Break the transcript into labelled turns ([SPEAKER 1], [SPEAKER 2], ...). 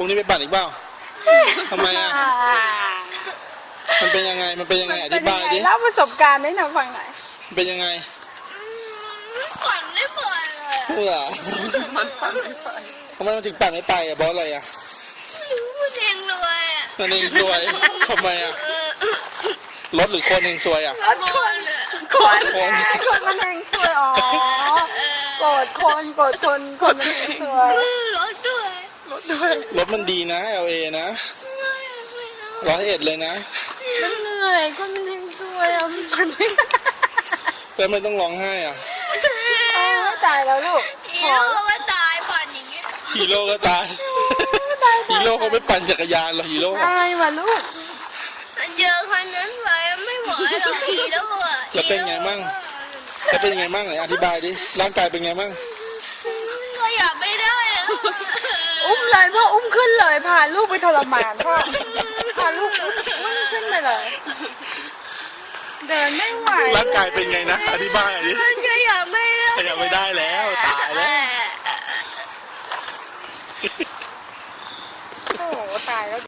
[SPEAKER 1] รุ่งนี้ไปปั่นอีกเปล่าทำไมอ่ะมันเป็นยังไงอธิบายดิ
[SPEAKER 2] เล่าประสบการณ์ให้หนูฟังหน่อย
[SPEAKER 1] มันเป็นยังไง
[SPEAKER 3] ปั่นไม่เปิดเลย
[SPEAKER 1] เพื่อ
[SPEAKER 2] มันฟังไม่ฟัง
[SPEAKER 1] ทำไมมันถึงปั่นไม่ไปอ่ะเพราะอะไรอ่ะ
[SPEAKER 3] พูดเองรวยอ่ะ
[SPEAKER 1] นั่นเองซวยทำไมอ่ะรถหรือคนเองซวยอ่ะ
[SPEAKER 2] รถคน คนมันเองสวยอ๋อโกรธคนมันเองสวย
[SPEAKER 3] รถด้วย
[SPEAKER 1] รถมันดีนะ LA นะ101เลยนะ
[SPEAKER 2] มันเหนื่อยคนมันเองสวยอ่ะมันไม่
[SPEAKER 1] แล้วไม่ต้องร้องไห้อ่ะ
[SPEAKER 2] ตายแล้วลูก
[SPEAKER 3] ฮีโร่ก็ตายปั่นอย่างเงี้ย
[SPEAKER 1] ฮีโร่ก็ตายฮีโร่เขาไม่ปั่นจักรยานหรอกฮีโร่
[SPEAKER 2] ตายว่ะลูก
[SPEAKER 3] เจอคนนั้นไปไม่ไหวหรอกฮีโร่อะ
[SPEAKER 1] แล้วเป็นไงมั่งแล้วเป็นยังไงมั่งไหนอธิบายดิร่างกายเป็นไงมั่ง
[SPEAKER 3] ก็อยากไม่ได้แล้ว
[SPEAKER 2] อุ้มเลยพ่ออุ้มขึ้นเลยพาลูกไปทรมานพ่อพาลูกอุ้มขึ้นไปเลย เดินไม่ไหว
[SPEAKER 1] ร่างกายเป็นไงนะอธิบายดิ
[SPEAKER 3] ก็อยากไม่ได้
[SPEAKER 1] ขยับไม่ได้แล้วตายแล้ว